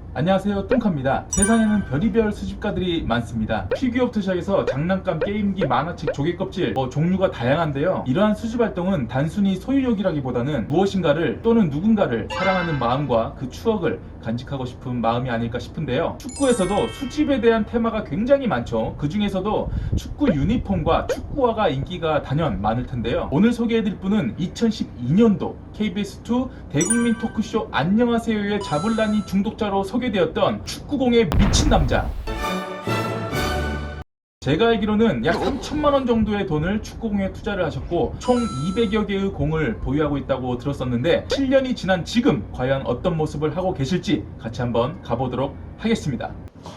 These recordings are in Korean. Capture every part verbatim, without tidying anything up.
안녕하세요, 뚱카입니다. 세상에는 별의별 수집가들이 많습니다. 피규어부터 시작해서 장난감, 게임기, 만화책, 조개껍질 뭐 종류가 다양한데요. 이러한 수집 활동은 단순히 소유욕이라기보다는 무엇인가를 또는 누군가를 사랑하는 마음과 그 추억을 간직하고 싶은 마음이 아닐까 싶은데요. 축구에서도 수집에 대한 테마가 굉장히 많죠. 그 중에서도 축구 유니폼과 축구화가 인기가 단연 많을 텐데요. 오늘 소개해드릴 분은 이천십이 년도 케이비에스 투 대국민 토크쇼 안녕하세요의 자블라니 중독자로 소개되었던 축구공에 미친 남자. 제가 알기로는 약 삼천만 원 정도의 돈을 축구공에 투자를 하셨고 총 이백여 개의 공을 보유하고 있다고 들었었는데 칠 년이 지난 지금 과연 어떤 모습을 하고 계실지 같이 한번 가보도록 하겠습니다.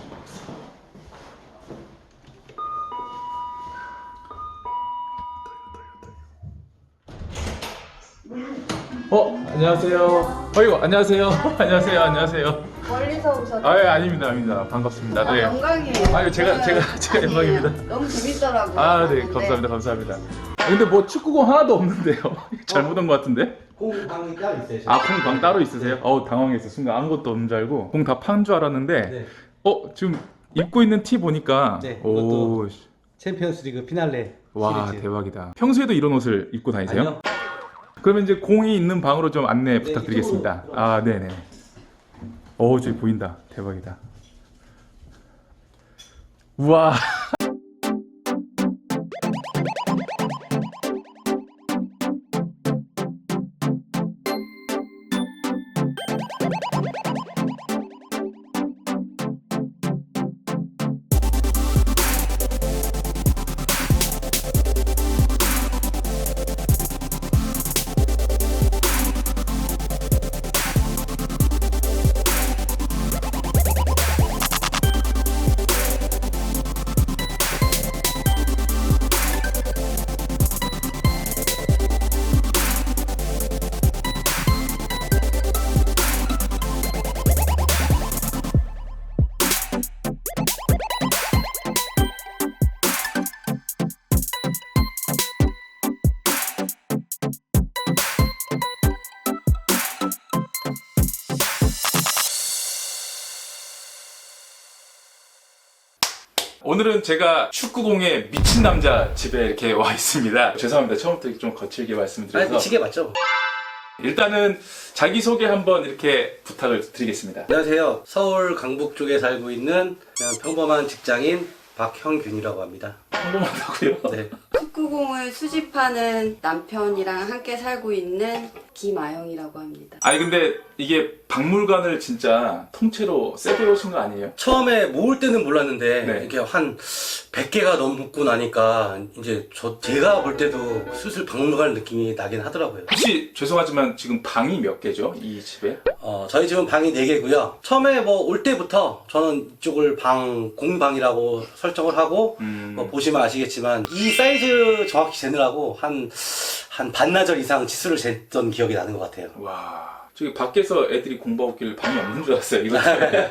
어, 안녕하세요. 어이구, 안녕하세요. 안녕하세요. 안녕하세요. 멀리서 오셨어요? 아, 예, 아닙니다. 아닙니다. 반갑습니다. 아, 네. 영광이에요. 아유, 제가 제가 제가 영광입니다. 너무 재밌더라고요. 아, 네. 봤는데. 감사합니다. 감사합니다. 아, 근데 뭐 축구공 하나도 없는데요. 잘못 온 것 같은데? 공방이 따로 있어요. 아, 공 방 따로 있으세요? 어우, 당황했어. 순간 아무것도 없는 줄 알고 공 다 판 줄 알았는데 네. 어, 지금 입고 있는 티 보니까 네, 오, 씨. 챔피언스리그 피날레 와, 시리즈. 대박이다. 평소에도 이런 옷을 입고 다니세요? 아니요. 그러면 이제 공이 있는 방으로 좀 안내 네, 부탁드리겠습니다. 이쪽으로 아, 네네. 오, 저기 보인다. 대박이다. 우와. 오늘은 제가 축구공에 미친 남자 집에 이렇게 와 있습니다. 죄송합니다. 처음부터 좀 거칠게 말씀드려서. 아니, 미치게 맞죠? 일단은 자기소개 한번 이렇게 부탁을 드리겠습니다. 안녕하세요. 서울 강북 쪽에 살고 있는 그냥 평범한 직장인 박형균이라고 합니다. 평범하다고요? 네. 축구공을 수집하는 남편이랑 함께 살고 있는 김아영이라고 합니다. 아니 근데 이게 박물관을 진짜 통째로 세게 오신 거 아니에요? 처음에 모을 때는 몰랐는데 네. 이렇게 한 백 개가 넘고 나니까 이제 저 제가 볼 때도 슬슬 박물관 느낌이 나긴 하더라고요. 혹시 죄송하지만 지금 방이 몇 개죠? 이 집에? 어, 저희 집은 방이 네 개고요. 처음에 뭐 올 때부터 저는 이쪽을 방, 공방이라고 설정을 하고 음... 뭐 보시면 아시겠지만 이 사이즈 정확히 재느라고 한, 한 반나절 이상 치수를 쟀던 기억이 나는 것 같아요. 와... 저기 밖에서 애들이 공부하고 있길래 방이 없는 줄 알았어요. 이거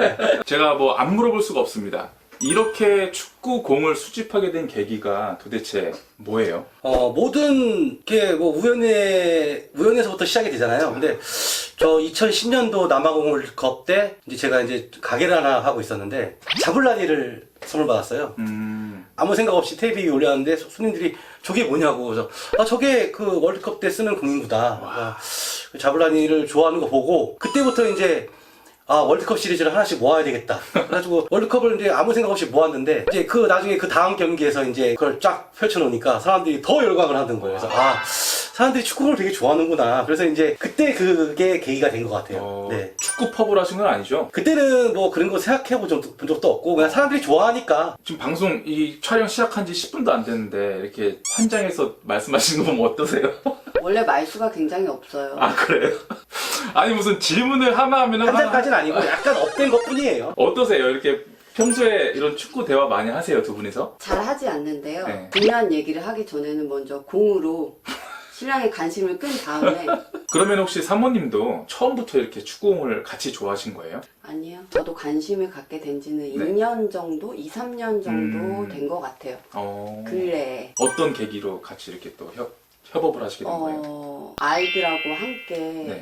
제가 뭐 안 물어볼 수가 없습니다. 이렇게 축구공을 수집하게 된 계기가 도대체 뭐예요? 어, 모든 게 뭐 우연에, 우연에서부터 시작이 되잖아요. 근데 저 이천십 년도 남아공월컵 때 이제 제가 이제 가게를 하나 하고 있었는데 자블라니를 선물 받았어요. 음... 아무 생각 없이 테이블 위에 올렸는데 손님들이 저게 뭐냐고. 그래서 아, 저게 그 월드컵 때 쓰는 공구다. 아, 자블라니를 좋아하는 거 보고 그때부터 이제 아, 월드컵 시리즈를 하나씩 모아야 되겠다. 그래가지고 월드컵을 이제 아무 생각 없이 모았는데 이제 그 나중에 그 다음 경기에서 이제 그걸 쫙 펼쳐놓으니까 사람들이 더 열광을 하는 거예요. 그래서 아, 사람들이 축구를 되게 좋아하는구나. 그래서 이제 그때 그게 계기가 된 것 같아요. 어... 네. 축구 펍을 하신 건 아니죠? 그때는 뭐 그런 거 생각해 본 적도 없고 그냥 사람들이 좋아하니까. 지금 방송 이 촬영 시작한 지 십 분도 안 됐는데 이렇게 현장에서 말씀하시는 거 보면 어떠세요? 원래 말수가 굉장히 없어요. 아, 그래요? 아니 무슨 질문을 하나 하면 한 잔까지는 아니고 약간 업된 것 뿐이에요. 어떠세요? 이렇게 평소에 이런 축구 대화 많이 하세요, 두 분이서? 잘 하지 않는데요. 네. 중요한 얘기를 하기 전에는 먼저 공으로 신랑의 관심을 끈 다음에 그러면 혹시 사모님도 처음부터 이렇게 축구공을 같이 좋아하신 거예요? 아니요. 저도 관심을 갖게 된 지는 네. 이 년 정도, 이, 삼 년 정도 음. 된 것 같아요. 어... 근래에. 어떤 계기로 같이 이렇게 또 협, 협업을 하시게 된 거예요? 어, 아이들하고 함께 네.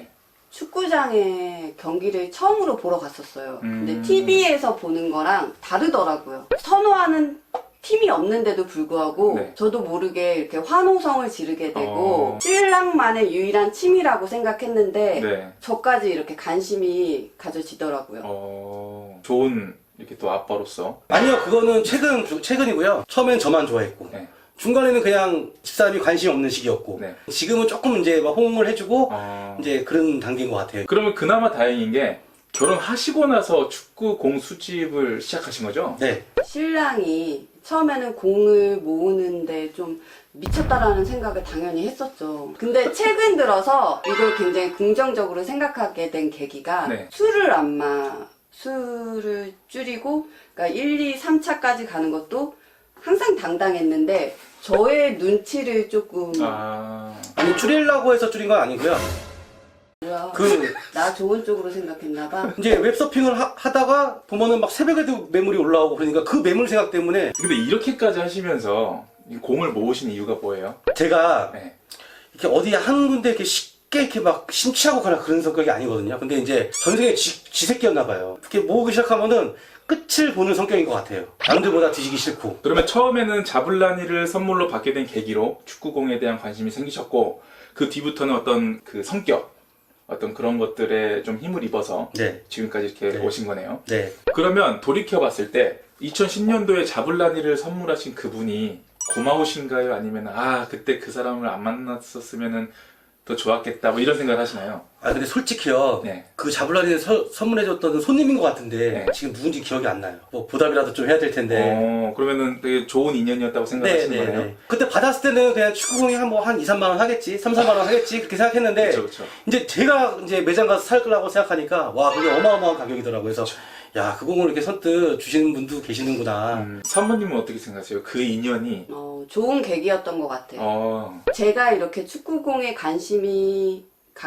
축구장에 경기를 처음으로 보러 갔었어요. 근데 음. 티비에서 보는 거랑 다르더라고요. 선호하는 팀이 없는데도 불구하고 네. 저도 모르게 이렇게 환호성을 지르게 되고 어. 신랑만의 유일한 취미라고 생각했는데 네. 저까지 이렇게 관심이 가져지더라고요. 어, 좋은 이렇게 또 아빠로서. 아니요, 그거는 최근, 최근이고요. 처음엔 저만 좋아했고. 네. 중간에는 그냥 집사람이 관심이 없는 시기였고. 네. 지금은 조금 이제 막 호응을 해주고, 어... 이제 그런 단계인 것 같아요. 그러면 그나마 다행인 게 결혼하시고 나서 축구 공 수집을 시작하신 거죠? 네. 신랑이 처음에는 공을 모으는데 좀 미쳤다라는 생각을 당연히 했었죠. 근데 최근 들어서 이걸 굉장히 긍정적으로 생각하게 된 계기가 네. 술을 안 마, 술을 줄이고, 그러니까 일, 이, 삼 차까지 가는 것도 항상 당당했는데 저의 눈치를 조금 아, 아니, 줄이려고 해서 줄인 건 아니고요. 뭐야 그, 나 좋은 쪽으로 생각했나봐. 이제 웹서핑을 하, 하다가 보면은 막 새벽에도 매물이 올라오고 그러니까 그 매물 생각 때문에 근데 이렇게까지 하시면서 이 공을 모으신 이유가 뭐예요? 제가 네. 이렇게 어디 한 군데 이렇게 쉽게 이렇게 막 심취하고 가나 그런 성격이 아니거든요. 근데 이제 전생에 지, 지새끼였나 봐요. 이렇게 모으기 시작하면은 끝을 보는 성격인 것 같아요. 남들보다 뒤지기 싫고. 그러면 처음에는 자블라니를 선물로 받게 된 계기로 축구공에 대한 관심이 생기셨고 그 뒤부터는 어떤 그 성격, 어떤 그런 것들에 좀 힘을 입어서 네. 지금까지 이렇게 네. 오신 거네요. 네. 그러면 돌이켜봤을 때 이천십 년도에 자블라니를 선물하신 그분이 고마우신가요? 아니면 아 그때 그 사람을 안 만났었으면은 더 좋았겠다 뭐 이런 생각을 하시나요? 아 근데 솔직히요. 네. 그 자블라리를 서- 선물해줬던 손님인 것 같은데 네. 지금 누군지 기억이 안 나요. 뭐 보답이라도 좀 해야 될 텐데. 어 그러면은 되게 좋은 인연이었다고 네, 생각하시는 네, 거네요. 네. 그때 받았을 때는 그냥 축구공이 한 뭐 한 이, 삼만 원 하겠지, 삼, 사만 원 하겠지 그렇게 생각했는데 그렇죠, 그렇죠. 이제 제가 이제 매장 가서 살 거라고 생각하니까 와 그게 어마어마한 가격이더라고요. 그래서 야 그 공을 이렇게 선뜻 주시는 분도 계시는구나. 음, 사모님은 어떻게 생각하세요? 그 인연이 어, 좋은 계기였던 것 같아요. 어, 제가 이렇게 축구공에 관심이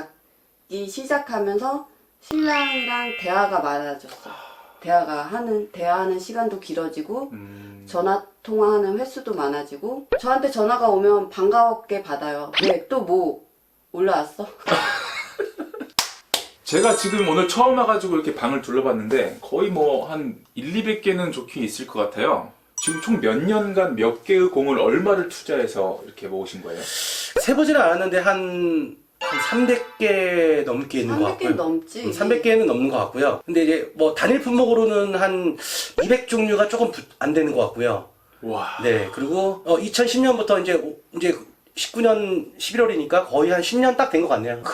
갖기 시작하면서 신랑이랑 대화가 많아졌어요. 대화가 하는, 대화하는 시간도 길어지고, 음, 전화 통화하는 횟수도 많아지고, 저한테 전화가 오면 반가웠게 받아요. 왜? 또 뭐 올라왔어? 제가 지금 오늘 처음 와가지고 이렇게 방을 둘러봤는데 거의 뭐 한 일, 이백 개는 좋게 있을 것 같아요. 지금 총 몇 년간 몇 개의 공을 얼마를 투자해서 이렇게 모으신 거예요? 세보지는 않았는데 한, 한 삼백 개 넘게 있는 것 삼백 개 같고요. 넘지. 음, 삼백 개는 넘는 것 같고요. 근데 이제 뭐 단일 품목으로는 한 이백 종류가 조금 부- 안 되는 것 같고요. 와. 네, 그리고 어, 이천십 년부터 이제 오- 이제 십구 년 십일월이니까 거의 한 십 년 딱 된 것 같네요.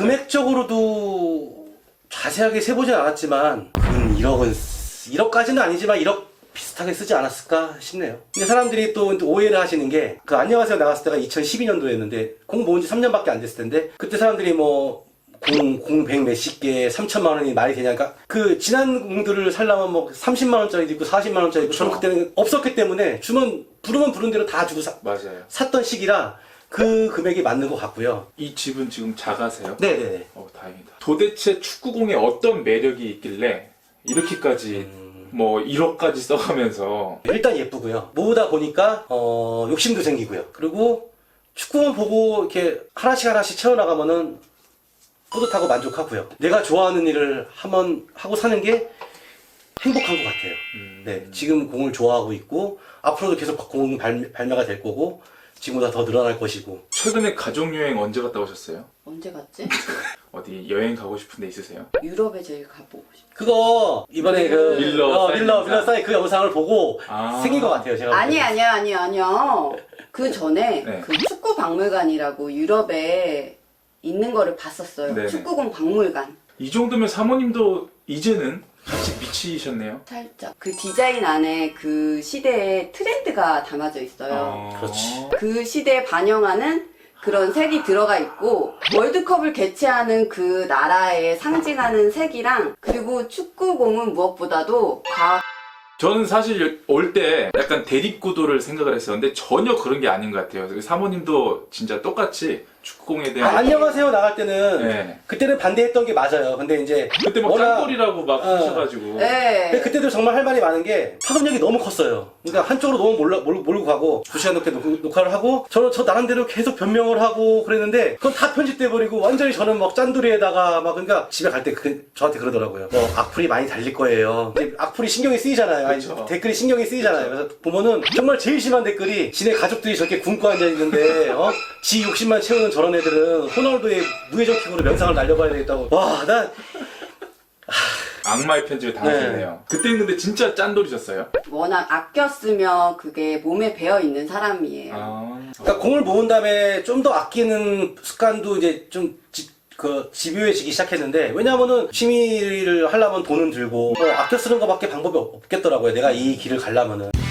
금액적으로도 자세하게 세보진 않았지만 근 일억은 일억까지는 아니지만 일억 비슷하게 쓰지 않았을까 싶네요. 근데 사람들이 또 오해를 하시는 게 그 안녕하세요 나갔을 때가 이천십이 년도였는데 공 모은 지 삼 년밖에 안 됐을 텐데 그때 사람들이 뭐 공, 공 백 몇십 개, 삼천만 원이 말이 되냐니까 그 지난 공들을 살려면 뭐 삼십만 원짜리도 있고 사십만 원짜리도 있고 저는 그때는 없었기 때문에 주면 부르면 부른 대로 다 주고 사, 맞아요. 샀던 시기라 그 금액이 맞는 것 같고요. 이 집은 지금 작아세요? 네네네. 어, 다행이다. 도대체 축구공에 어떤 매력이 있길래 이렇게까지 음, 뭐 일억까지 써가면서 일단 예쁘고요. 모으다 보니까 어, 욕심도 생기고요. 그리고 축구만 보고 이렇게 하나씩 하나씩 채워나가면은 뿌듯하고 만족하고요. 내가 좋아하는 일을 한번 하고 사는 게 행복한 것 같아요. 음, 네, 지금 공을 좋아하고 있고 앞으로도 계속 공 발매, 발매가 될 거고 지금보다 더 늘어날 것이고. 최근에 가족여행 언제 갔다 오셨어요? 언제 갔지? 어디 여행 가고 싶은 데 있으세요? 유럽에 제일 가보고 싶어. 그거 이번에 그 밀러 어, 사인 밀러 영상. 밀러 사인 그 영상을 보고 아. 생긴 것 같아요. 제가 볼 아니 때는. 아니야 아니야 아니야. 그 전에 네. 그 축구 박물관이라고 유럽에 있는 거를 봤었어요. 네네. 축구공 박물관. 이 정도면 사모님도 이제는 같이 미치셨네요. 살짝 그 디자인 안에 그 시대의 트렌드가 담아져 있어요. 어... 그렇지. 그 시대에 반영하는 그런 색이 들어가 있고 월드컵을 개최하는 그 나라에 상징하는 색이랑 그리고 축구공은 무엇보다도 과학 저는 사실 올 때 약간 대립구도를 생각을 했었는데 전혀 그런 게 아닌 것 같아요. 사모님도 진짜 똑같이 축구공에 아, 대한 안녕하세요 나갈 때는 네. 그때는 반대했던 게 맞아요. 근데 이제 그때 막 워낙- 짠돌이라고 막 어. 하셔가지고 네. 근데 그때도 정말 할 말이 많은 게 파급력이 너무 컸어요. 그러니까 한쪽으로 너무 몰라, 몰, 몰고 가고 두 시간 넘게 녹, 녹화를 하고 저는 저 나름대로 계속 변명을 하고 그랬는데 그건 다 편집돼 버리고 완전히 저는 막 짠돌이에다가 막 그러니까 집에 갈 때 그, 저한테 그러더라고요. 뭐 악플이 많이 달릴 거예요. 이제 악플이 신경이 쓰이잖아요. 아니, 그쵸. 댓글이 신경이 쓰이잖아요. 그래서 보면은 정말 제일 심한 댓글이 지네 가족들이 저렇게 굶고 앉아 있는데 어? 지 욕심만 채우는 저런 애들은 호날두의 무회전킥으로 명상을 날려봐야 되겠다고. 와, 나 악마의 편집에 당하셨네요. 그때는 근데 진짜 짠돌이셨어요? 워낙 아껴 쓰면 그게 몸에 배어 있는 사람이에요. 아, 그러니까 공을 모은 다음에 좀 더 아끼는 습관도 이제 좀 지, 그 집요해지기 시작했는데 왜냐하면은 취미를 하려면 돈은 들고 뭐 아껴 쓰는 것밖에 방법이 없- 없겠더라고요. 내가 이 길을 가려면은.